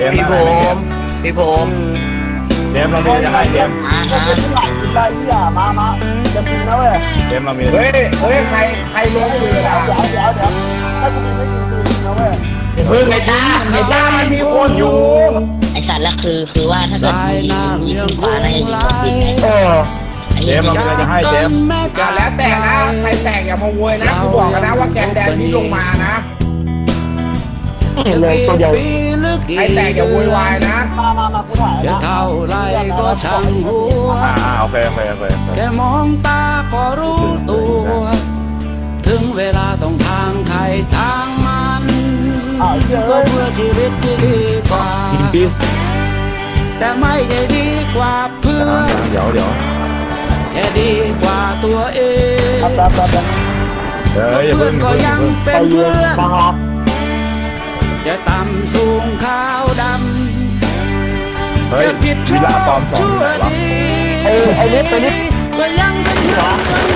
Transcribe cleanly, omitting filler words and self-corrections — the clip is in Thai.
มส์ได้ไหมเกมพี่ผมเกมเรามีจะให้เกมได้ที่อ่ะมาจะกินนะเว้ยเกมเรามีเฮ้ยใครลงมือล่ะเดี๋ยวถ้ากูมีไม่กินคือนะเว้ยไอ้ตามันมีคนอยู่ไอสัตว์ละคือว่าถ้าเกิดมีขึ้นฟ้าน่าจะยิงรถบินไงเกมเรามีจะให้เกมแล้วแต่นะใครแตกอย่ามาโวยนะกูบอกกันนะว่าแกนแดนนี้ลงมานะเลยตัวเดียวใครแตกอย่าโวยวายนะมากูถ่ายจะเท่าไรก็ช่างหัวโอเคแค่มองตาก็รู้ตัวถึงเวลาต้องทางใครทางมันก็เพื่อชีวิตที่ดีกว่าแต่ไม่ใช่ดีกว่าเพื่อนเดี๋ยวแค่ดีกว่าตัวเองเพื่อนก็ยังเป็นเพื่อนจะต่ำสูงขาวดำจะผิดชอบชั่วดีไอ้นิดก็ยังเป็นเพื่อน